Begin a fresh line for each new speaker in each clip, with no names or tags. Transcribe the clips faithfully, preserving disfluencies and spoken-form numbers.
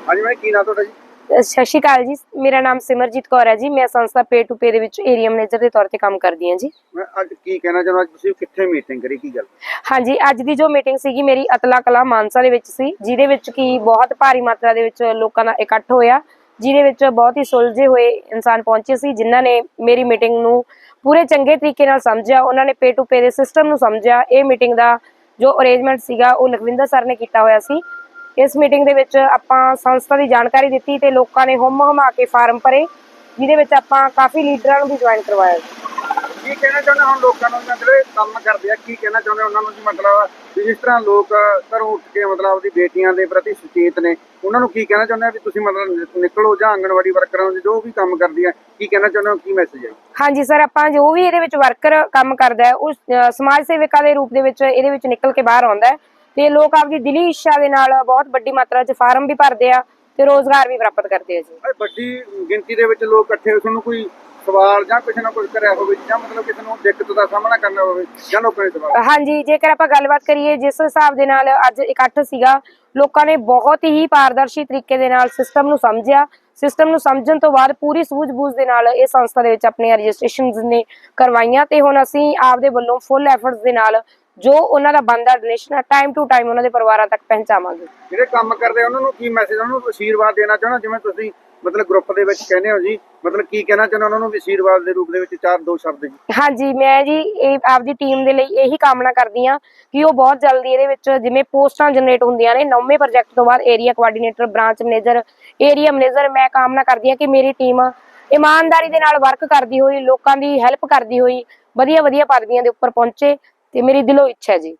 हाँ जी, मैं की नाम ਤੁਹਾਡਾ ਜੀ?
ਸਤਿ ਸ਼੍ਰੀ ਅਕਾਲ ਜੀ, ਮੇਰਾ ਨਾਮ ਸਿਮਰਜੀਤ ਕੌਰ ਹੈ ਜੀ। ਮੈਂ ਸੰਸਥਾ ਪੇ ਟੂ ਪੇ ਦੇ ਵਿੱਚ ਏਰੀਆ ਮੈਨੇਜਰ ਦੇ ਤੌਰ ਤੇ ਕੰਮ ਕਰਦੀ ਹਾਂ ਜੀ।
ਮੈਂ ਅੱਜ ਕੀ ਕਹਿਣਾ ਚਾਹੁੰਦਾ, ਤੁਸੀਂ ਕਿੱਥੇ ਮੀਟਿੰਗ ਕਰੀ, ਕੀ ਗੱਲ?
ਹਾਂਜੀ, ਅੱਜ ਦੀ ਜੋ ਮੀਟਿੰਗ ਸੀਗੀ ਮੇਰੀ ਅਤਲਾ ਕਲਾ ਮਾਨਸਾ ਦੇ ਵਿੱਚ ਸੀ, ਜਿਹਦੇ ਵਿੱਚ ਕੀ ਬਹੁਤ ਭਾਰੀ ਮਾਤਰਾ ਦੇ ਵਿੱਚ ਲੋਕਾਂ ਦਾ ਇਕੱਠ ਹੋਇਆ, ਜਿਹਦੇ ਵਿੱਚ ਬਹੁਤ ਹੀ ਸੁਲਝੇ ਹੋਏ ਇਨਸਾਨ ਪਹੁੰਚੇ ਸੀ, ਜਿਨ੍ਹਾਂ ਨੇ ਮੇਰੀ ਮੀਟਿੰਗ ਨੂੰ ਪੂਰੇ ਚੰਗੇ ਤਰੀਕੇ ਨਾਲ ਸਮਝਿਆ। ਉਹਨਾਂ ਨੇ ਪੇ ਟੂ ਪੇ ਦੇ ਸਿਸਟਮ ਨੂੰ ਸਮਝਿਆ। ਇਹ ਮੀਟਿੰਗ ਦਾ ਜੋ ਅਰੇਂਜਮੈਂਟ ਸੀਗਾ ਉਹ ਲਖਵਿੰਦਰ ਸਰ ਨੇ ਕੀਤਾ ਹੋਇਆ ਸੀ। ਇਸ ਮੀਟਿੰਗ ਦੇ ਵਿੱਚ ਆਪਾਂ ਸੰਸਥਾ ਦੀ ਜਾਣਕਾਰੀ ਦਿੱਤੀ ਤੇ ਲੋਕਾਂ ਨੇ ਹੁਮ ਹੁਮਾ ਕੇ ਫਾਰਮ ਭਰੇ, ਜਿਹਦੇ ਵਿੱਚ ਆਪਾਂ ਕਾਫੀ ਲੀਡਰਾਂ ਨੂੰ ਵੀ ਜੁਆਇਨ ਕਰਵਾਇਆ।
ਕੀ ਕਹਿਣਾ ਚਾਹੁੰਦੇ ਹੁਣ ਲੋਕਾਂ ਨੂੰ ਜਿਹੜੇ ਕੰਮ ਕਰਦੇ ਆ, ਕੀ ਕਹਿਣਾ ਚਾਹੁੰਦੇ ਉਹਨਾਂ ਨੂੰ ਜੀ? ਮਤਲਬ ਵੀ ਜਿਸ ਤਰ੍ਹਾਂ ਲੋਕ ਘਰੋਂ ਉੱਠ ਕੇ ਮਤਲਬ ਆਪਦੀ ਬੇਟੀਆਂ ਦੇ ਪ੍ਰਤੀ ਸੁਚੇਤ ਨੇ, ਉਹਨਾਂ ਨੂੰ ਕੀ ਕਹਿਣਾ ਚਾਹੁੰਦੇ ਆ ਵੀ ਤੁਸੀਂ ਮਤਲਬ ਨਿਕਲੋ, ਜਾਂ ਆਂਗਣਵਾੜੀ ਵਰਕਰਾਂ ਨੂੰ ਜੋ ਵੀ ਕੰਮ ਕਰਦੀ ਆ, ਕੀ ਕਹਿਣਾ ਚਾਹੁੰਦੇ ਹੋ, ਕੀ ਮੈਸੇਜ ਹੈ?
ਹਾਂਜੀ ਸਰ, ਆਪਾਂ ਜੋ ਵੀ ਇਹਦੇ ਵਿੱਚ ਵਰਕਰ ਕੰਮ ਕਰਦਾ ਹੈ ਉਸ ਸਮਾਜ ਸੇਵਿਕਾ ਦੇ ਰੂਪ ਦੇ ਵਿੱਚ ਇਹਦੇ ਵਿੱਚ ਨਿਕਲ ਕੇ ਬਾਹਰ ਆਉਂਦਾ ਹੈ ਤੇ ਲੋਕ ਆਪਦੀ ਦਿਲੀ ਇੱਛਾ ਦੇ ਨਾਲ ਬਹੁਤ ਵੱਡੀ ਮਾਤਰਾ 'ਚ ਫਾਰਮ ਵੀ ਭਰਦੇ ਆ ਤੇ ਰੋਜ਼ਗਾਰ ਵੀ ਪ੍ਰਾਪਤ ਕਰਦੇ ਆ ਜੀ।
ਵੱਡੀ ਗਿਣਤੀ ਦੇ ਵਿੱਚ ਲੋਕ ਇਕੱਠੇ ਹੋਏ, ਤੁਹਾਨੂੰ ਕੋਈ ਸਵਾਲ ਜਾਂ ਕੁਛ ਨਾ ਕੁਛ ਕਰਿਆ ਹੋਵੇ, ਜਾਂ ਮਤਲਬ ਕਿਸੇ ਨੂੰ ਦਿੱਕਤ ਦਾ ਸਾਹਮਣਾ ਕਰਨਾ ਹੋਵੇ, ਜਾਂ ਲੋਕਾਂ ਦੇ ਸਵਾਲ?
ਹਾਂਜੀ, ਜੇਕਰ ਆਪਾਂ ਗੱਲਬਾਤ ਕਰੀਏ ਜਿਸ ਹਿਸਾਬ ਦੇ ਨਾਲ ਅੱਜ ਇਕੱਠ ਸੀਗਾ, ਲੋਕਾਂ ਨੇ ਬਹੁਤ ਹੀ ਪਾਰਦਰਸ਼ੀ ਤਰੀਕੇ ਦੇ ਨਾਲ ਸਿਸਟਮ ਨੂੰ ਸਮਝਿਆ। ਸਿਸਟਮ ਨੂੰ ਸਮਝਣ ਤੋਂ ਬਾਅਦ ਪੂਰੀ ਸੂਝ-ਬੂਝ ਦੇ ਨਾਲ ਇਹ ਸੰਸਥਾ ਦੇ ਵਿੱਚ ਆਪਣੀਆਂ ਰਜਿਸਟ੍ਰੇਸ਼ਨਸ ਨੇ ਕਰਵਾਈਆਂ ਤੇ ਹੁਣ ਅਸੀਂ ਆਪਦੇ ਵੱਲੋਂ ਫੁੱਲ ਐਫਰਟਸ ਦੇ ਨਾਲ ਜੋ ਉਹਨਾਂ ਦਾ ਬਣਦਾ ਡੋਨੇਸ਼ਨ ਟਾਈਮ ਟੂ ਟਾਈਮ ਉਹਨਾਂ ਦੇ ਪਰਿਵਾਰਾਂ ਤੱਕ ਪਹੁੰਚਾਵਾਂਗੇ।
ਜਿਹੜੇ ਕੰਮ ਕਰਦੇ ਉਹਨਾਂ ਨੂੰ ਕੀ ਮੈਸੇਜ, ਉਹਨਾਂ ਨੂੰ ਅਸ਼ੀਰਵਾਦ ਦੇਣਾ ਚਾਹੁੰਦਾ, ਜਿਵੇਂ ਤੁਸੀਂ ਮਤਲਬ ਗਰੁੱਪ ਦੇ ਵਿੱਚ ਕਹਿੰਦੇ ਹੋ ਜੀ, ਮਤਲਬ ਕੀ ਕਹਿਣਾ ਚਾਹੁੰਦੇ ਉਹਨਾਂ ਨੂੰ ਵੀ ਅਸ਼ੀਰਵਾਦ ਦੇ ਰੂਪ ਦੇ ਵਿੱਚ ਚਾਰ ਦੋ ਸ਼ਬਦ ਜੀ?
ਹਾਂਜੀ, ਮੈਂ ਜੀ ਇਹ ਆਪਦੀ ਟੀਮ ਦੇ ਲਈ ਇਹੀ ਕਾਮਨਾ ਕਰਦੀ ਹਾਂ ਕਿ ਉਹ ਬਹੁਤ ਜਲਦੀ ਇਹਦੇ ਵਿੱਚ ਜਿਵੇਂ ਪੋਸਟਾਂ ਜਨਰੇਟ ਹੁੰਦੀਆਂ ਨੇ ਨੌਵੇਂ ਪ੍ਰੋਜੈਕਟ ਤੋਂ ਬਾਅਦ area coordinator, branch manager, area manager, ਮੈਂ ਕਾਮਨਾ ਕਰਦੀ ਹਾਂ ਕਿ ਮੇਰੀ ਟੀਮ ਇਮਾਨਦਾਰੀ ਦੇ ਨਾਲ ਵਰਕ ਕਰਦੀ ਹੋਈ, ਲੋਕਾਂ ਦੀ ਹੈਲਪ ਕਰਦੀ ਹੋਈ ਵਧੀਆ ਵਧੀਆ ਪਦਵੀਆਂ ਦੇ ਉੱਪਰ ਪਹੁੰਚੇ ਤੇ ਮੇਰੀ ਦਿਲੋਂ ਇੱਛਾ ਹੈ ਜੀ।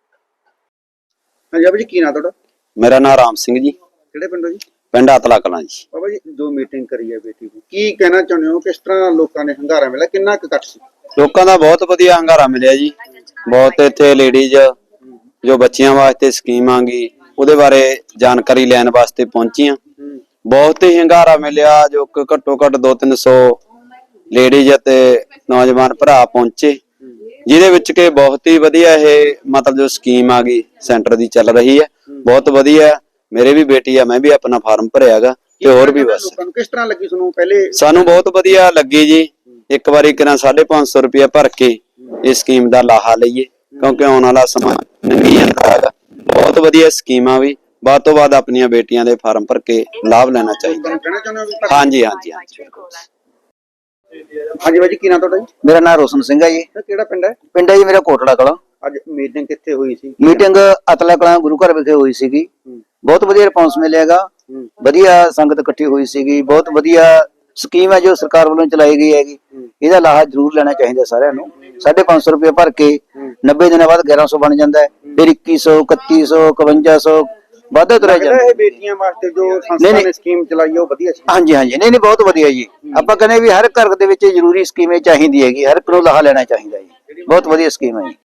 ਹਾਂਜੀ ਬਾਬਾ ਜੀ, ਕੀ ਨਾਮ ਤੁਹਾਡਾ?
ਮੇਰਾ ਨਾਮ ਰਾਮ ਸਿੰਘ ਜੀ।
ਕਿਹੜੇ ਪਿੰਡੋਂ ਜੀ?
ਪਿੰਡ ਅਤਲਾ ਕਲਾਂ ਜੀ।
ਬਾਬਾ ਜੀ, ਜੋ ਮੀਟਿੰਗ ਕਰੀ ਹੈ ਬੇਟੀ ਦੀ, ਕੀ ਕਹਿਣਾ ਚਾਹੁੰਦੇ ਹੋ? ਕਿਸ ਤਰ੍ਹਾਂ ਲੋਕਾਂ ਨੇ ਹੰਗਾਰਾ ਮਿਲਿਆ, ਕਿੰਨਾ ਕੁ ਇਕੱਠ ਸੀ?
ਲੋਕਾਂ ਦਾ ਬਹੁਤ ਵਧੀਆ ਹੰਗਾਰਾ ਮਿਲਿਆ ਜੀ। ਬਹੁਤ ਇੱਥੇ ਲੇਡੀਜ਼ ਜੋ ਬੱਚਿਆਂ ਵਾਸਤੇ ਸਕੀਮ ਆ ਗਈ ਉਹਦੇ ਬਾਰੇ ਜਾਣਕਾਰੀ ਲੈਣ ਵਾਸਤੇ ਪਹੁੰਚੀਆਂ। ਬਹੁਤ ਹੀ ਹੰਗਾਰਾ ਮਿਲਿਆ, ਜੋ ਘੱਟੋ ਘੱਟ ਦੋ ਤਿੰਨ ਸੌ ਲੇਡੀਜ਼ ਅਤੇ ਨੌਜਵਾਨ ਭਰਾ ਪਹੁੰਚੇ, ਜਿਹਦੇ ਵਿੱਚ ਕਿ ਬਹੁਤ ਹੀ ਵਧੀਆ ਇਹ ਮਤਲਬ ਜੋ ਸਕੀਮ ਆ ਗਈ ਸੈਂਟਰ ਦੀ ਚੱਲ ਰਹੀ ਹੈ, ਬਹੁਤ ਵਧੀਆ। ਮੇਰੇ ਵੀ ਬੇਟੀ ਆ, ਮੈਂ ਵੀ ਆਪਣਾ ਫਾਰਮ ਭਰਿਆ ਗਾ ਤੇ ਹੋਰ ਵੀ। ਬਸ
ਕਿਸ ਤਰ੍ਹਾਂ ਲੱਗੀ ਤੁਹਾਨੂੰ? ਪਹਿਲੇ ਸਾਨੂੰ
ਬਹੁਤ ਵਧੀਆ ਲੱਗੀ ਜੀ। ਇੱਕ ਵਾਰੀ ਕਿਰਾਂ ਸਾਢੇ ਪੰਜ ਸੌ ਰੁਪਇਆ ਭਰ ਕੇ ਇਹ ਸਕੀਮ ਦਾ ਲਾਹਾ ਲਈਏ, ਕਿਉਂਕਿ ਆਉਣ ਵਾਲਾ ਸਮਾਂ ਨਹੀਂ ਜਾਂਦਾ। ਬਹੁਤ ਵਧੀਆ ਸਕੀਮ ਆ, ਵੀ ਵੱਧ ਤੋਂ ਵੱਧ ਆਪਣੀਆਂ ਬੇਟੀਆਂ ਦੇ ਫਾਰਮ ਭਰ ਕੇ ਲਾਭ ਲੈਣਾ ਚਾਹੀਦਾ। ਹਾਂਜੀ ਹਾਂਜੀ ਹਾਂਜੀ
ਹਾਂਜੀ ਬਾਜੀ, ਕੀ ਨਾਮ ਤੁਹਾਡਾ ਜੀ?
ਮੇਰਾ ਨਾਮ ਰੋਸ਼ਨ ਸਿੰਘ ਹੈ ਜੀ।
ਕਿਹੜਾ ਪਿੰਡ ਹੈ?
ਪਿੰਡ ਹੈ ਜੀ ਮੇਰਾ ਕੋਟੜਾ ਕਲਾਂ।
ਅੱਜ ਮੀਟਿੰਗ ਕਿੱਥੇ ਹੋਈ ਸੀ?
ਮੀਟਿੰਗ ਅਤਲਾ ਕਲਾਂ ਗੁਰੂ ਘਰ ਵਿਖੇ ਹੋਈ ਸੀਗੀ। ਬਹੁਤ ਵਧੀਆ ਰਿਸਪੌਂਸ ਮਿਲਿਆਗਾ, ਵਧੀਆ ਸੰਗਤ ਇਕੱਠੀ ਹੋਈ ਸੀਗੀ। ਬਹੁਤ ਵਧੀਆ ਸਕੀਮ ਹੈ ਜੋ ਸਰਕਾਰ ਵੱਲੋਂ ਚਲਾਈ ਗਈ ਹੈਗੀ, ਇਹਦਾ ਲਾਹਾ ਜ਼ਰੂਰ ਲੈਣਾ ਚਾਹੀਦਾ ਸਾਰਿਆਂ ਨੂੰ। ਸਾਢੇ ਪੰਜ ਸੌ ਰੁਪਏ ਭਰ ਕੇ ਨੱਬੇ ਦਿਨਾਂ ਬਾਅਦ ਗਿਆਰਾਂ ਸੌ ਬਣ ਜਾਂਦਾ ਹੈ, ਫਿਰ ਇੱਕੀ ਸੌ, ਇਕੱਤੀ ਸੌ, ਇਕਵੰਜਾ ਸੌ ਵਾਧਾ ਤੁਰਿਆ ਜਾਂਦਾ।
ਇਹ ਬੇਟੀਆਂ ਵਾਸਤੇ ਜੋ ਸੰਸਥਾ ਨੇ ਸਕੀਮ ਚਲਾਈ ਉਹ ਵਧੀਆ ਸੀ?
ਹਾਂਜੀ ਹਾਂਜੀ, ਨਹੀਂ ਨਹੀਂ, ਬਹੁਤ ਵਧੀਆ ਜੀ। ਆਪਾਂ ਕਹਿੰਦੇ ਵੀ ਹਰ ਘਰ ਦੇ ਵਿੱਚ ਜ਼ਰੂਰੀ ਸਕੀਮ ਚਾਹੀਦੀ ਹੈਗੀ, ਹਰ ਇੱਕ ਨੂੰ ਲਾਹਾ ਲੈਣਾ ਚਾਹੀਦਾ ਜੀ। ਬਹੁਤ ਵਧੀਆ ਸਕੀਮ ਹੈ ਜੀ।